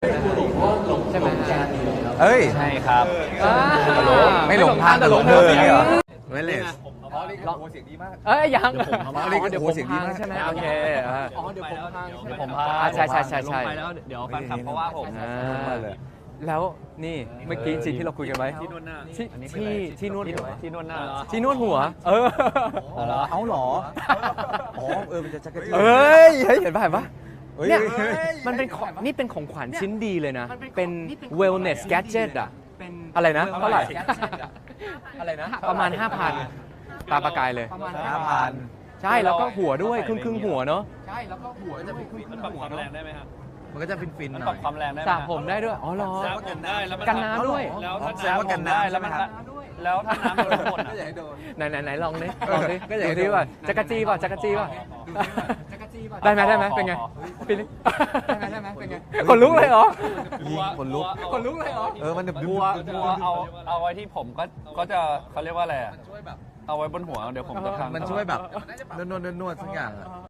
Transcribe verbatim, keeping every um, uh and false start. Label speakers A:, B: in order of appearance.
A: ใช่ไหม
B: เอ้ย
C: ใช่ครับ
B: ไม่หลงทางแต่หลงเธออย่างเงี้ยเหรอเวลเลส
A: อ๋อนี่โอ้เสียงดีมากเอ้ยยัง
B: อ๋อนี่โอ้เสียงดีมาก
A: ใช่ไหมโอเคอ๋อเดี๋ยวผมพัง
C: เดี๋ยวผมพา
A: ใช่ใช่ใช่ใช่
C: ลงไปแล้วเดี๋ยวแฟนคลับเขาว่าผม
A: แล้วนี่เมื่อกี้จริงที่เราคุยกันไว้
C: ที่นวดหน้า
A: ที่ที่ที่นวดหัว
C: ที่นวดหน้า
A: ที่นวดหัว เออ
B: เอาเหรออ๋อเออมันจะจักรจี้
A: เอ้ยเฮ้ยเห็นป่ะเห็นป่ะ
B: เฮ้ย
A: เนี่ยมันเป็นของนี่เป็นของขวัญชิ้นดีเลยนะ เป็น wellness gadget อะอะไรนะเท่าไหร่อะไรนะประมาณ ห้าพัน ตาประกายเลย
B: ห้าพัน
A: ใช่แล้วก็หัวด้วยครึ่งครึ่งหัวเนาะใช่แล้วก็หัวจะเป็นครึ่ง
C: มันปรับความแรงได้ไหมครับ
B: มันก็จะฟินฟิน
C: มัน
B: หน่
C: ปรั
B: อบ ย
C: ความแรงได้ไหม
A: สระผมได้ด้วยอ๋อเหรอ
C: สระผมได้แล้วมั
A: กันน้ำด้วย
C: แล้วถ้า
B: แสดงว่ากันน้ำ
C: ได้แล้วมัน
B: ใช่ไหมครับ
C: แล้วถ้าน้ำโดนหมดอะ
A: ไหนไหนไหนลองดิลองดิ
B: ก็อยากให้
A: ดูดิ
B: ดู
A: ว่าจักรจี้ป่ะจักรจี้ป่ะได้ไหมได้ไหมเป็นไงฟินได้ไหมได้ไหมเป็นไงขนลุกเลยเหรอ
B: ยิงขนลุก
A: ขนลุกเลยเหรอ
B: เออมันดึบ
C: กลัวกลัวเอาเอาไว้ที่ผมก็ก็จะเขาเรียกว่าอะไรอะเอาไว้บนหัวเดี๋ยวผมจะพัง
B: มันช่วยแบบนวดนวดนวดสักอย่างอะ